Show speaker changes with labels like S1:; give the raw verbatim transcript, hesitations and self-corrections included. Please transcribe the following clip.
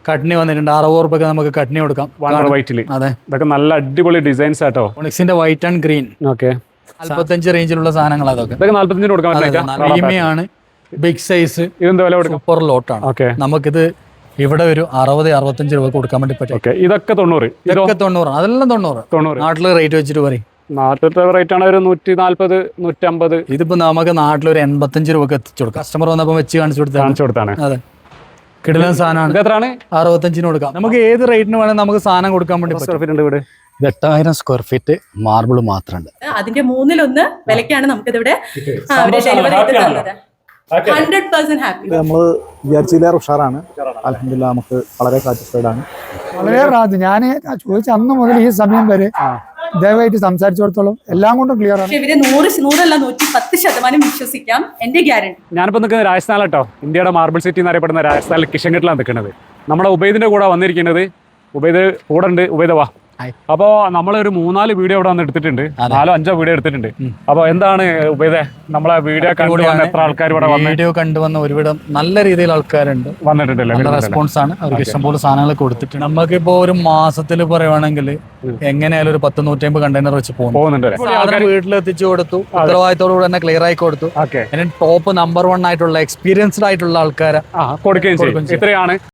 S1: കട്നി വന്നിട്ടുണ്ട്. അറുപത് റുപ്യക്ക് നമുക്ക് കട്നി കൊടുക്കാം.
S2: വൈറ്റില്
S1: അതെ,
S2: ഇതൊക്കെ നല്ല അടിപൊളി ഡിസൈൻസ് ആട്ടോ.
S1: ഒണിക്സിന്റെ വൈറ്റ് ആൻഡ് ഗ്രീൻ.
S2: ഓക്കെ,
S1: നാല്പത്തഞ്ച് റേഞ്ചിലുള്ള സാധനങ്ങൾ അതൊക്കെ.
S2: ഇതൊക്കെ നാല്പത്തഞ്ചിന് കൊടുക്കാൻ പറ്റില്ല.
S1: പ്രീമിയാണ്, ബിഗ് സൈസ്.
S2: ഇതെന്താ വില കൊടുക്കും?
S1: സൂപ്പർ ലോട്ടാണ്.
S2: ഓക്കെ,
S1: നമുക്കിത് ഇവിടെ ഒരു അറുപത് അറുപത്തഞ്ച് രൂപ കൊടുക്കാൻ വേണ്ടി പറ്റും.
S2: ഓക്കെ, ഇതൊക്കെ തൊണ്ണൂറ്.
S1: ഇതൊക്കെ തൊണ്ണൂറ്. അതെല്ലാം തൊണ്ണൂറ്.
S2: തൊണ്ണൂറ്
S1: നാട്ടില് റേറ്റ് വെച്ചിട്ട് പറയും.
S2: നാട്ടിലത്തെ റേറ്റ് ആണ് ഒരു നൂറ്റി നാല്പത് നൂറ്റമ്പത്.
S1: ഇതിപ്പോ നമുക്ക് നാട്ടിൽ ഒരു എൺപത്തഞ്ച് രൂപക്ക് എത്തിച്ചു കൊടുക്കാം. കസ്റ്റമർ വന്നപ്പോ വെച്ച് കാണിച്ചു കൊടുത്താൽ
S2: കാണിച്ചു കൊടുത്താണ്.
S1: അതെ, കിടിലൻ സാധനമാണ്.
S2: എത്രയാണ്?
S1: അറുപത്തഞ്ചിന് കൊടുക്കാം. നമുക്ക് ഏത് റേറ്റിന് വേണമെങ്കിൽ നമുക്ക് സാധനം കൊടുക്കാൻ വേണ്ടി പറ്റും.
S2: ഇവിടെ
S1: എട്ടായിരം സ്ക്വയർ ഫീറ്റ് മാർബിൾ മാത്രമുണ്ട്.
S3: അതിന്റെ മൂന്നിലൊന്ന് വിലക്കാണ് നമുക്കിതിവിടെ ഹൺഡ്രഡ് പെർസെന്റ് ഹാപ്പി.
S4: നമ്മൾ വിചാരിച്ചില്ലേറെ ഉഷാറാണ്. അൽഹംദുലില്ലാ, നമുക്ക് വളരെ സാറ്റിസ്ഫൈഡ് ആണ്.
S5: വളരെ റാഹത്ത്. ഞാൻ ചോദിച്ച അന്ന് മുതൽ ഈ സമയം വരെ ദയവായിട്ട് സംസാരിച്ചിടത്തോളം എല്ലാം കൊണ്ടും ക്ലിയർ ആണ്.
S3: ഇവരെ നൂറ് നൂറല്ല നൂറ്റി പത്ത് ശതമാനം വിശ്വസിക്കാം. എന്റെ ഗ്യാരണ്ടി.
S2: ഞാനിപ്പോ നിൽക്കുന്നത് രാജസ്ഥാനിലാട്ടോ. ഇന്ത്യയുടെ മാർബിൾ സിറ്റി എന്നറിയപ്പെടുന്ന രാജസ്ഥാനിൽ കിഷൻഘട്ടിലാണ് നിൽക്കുന്നത്. നമ്മുടെ ഉബൈദിന്റെ കൂടെ വന്നിരിക്കുന്നത്. ഉബൈദ് കൂടെ ഉണ്ട്. ഉബൈദ വാ. അപ്പോ നമ്മളൊരു മൂന്നാല് വീഡിയോ ഇവിടെ വന്ന് എടുത്തിട്ടുണ്ട്. നാലോ അഞ്ചോ വീഡിയോ എടുത്തിട്ടുണ്ട്. അപ്പൊ എന്താണ് ഉബൈദേ, നമ്മളെ വീഡിയോ കണ്ടു എത്ര ആൾക്കാർ ഇവിടെ വന്നു?
S1: വീഡിയോ കണ്ടുവന്ന ഒരുവിധം നല്ല രീതിയിൽ ആൾക്കാരുണ്ട്
S2: വന്നിട്ടുണ്ടല്ലേ?
S1: നല്ല റെസ്പോൺസ് ആണ്. അവർക്ക് ഇഷ്ടംപോലെ സാധനങ്ങൾ കൊടുത്തിട്ടുണ്ട്. നമുക്കിപ്പോ ഒരു മാസത്തിൽ പറയുവാണെങ്കിൽ എങ്ങനെയായാലും ഒരു പത്ത് നൂറ്റമ്പത് കണ്ടെയ്നർ വെച്ച്
S2: പോകുന്നുണ്ട്.
S1: വീട്ടിലെത്തിച്ചു കൊടുത്തു. ഉത്തരവാദിത്തോടു തന്നെ ക്ലിയർ ആയി കൊടുത്തു. ടോപ്പ് നമ്പർ വൺ ആയിട്ടുള്ള എക്സ്പീരിയൻസ്ഡ് ആയിട്ടുള്ള ആൾക്കാരെ
S2: കൊടുക്കുകയും ചെയ്യും. ഇത്രയാണ്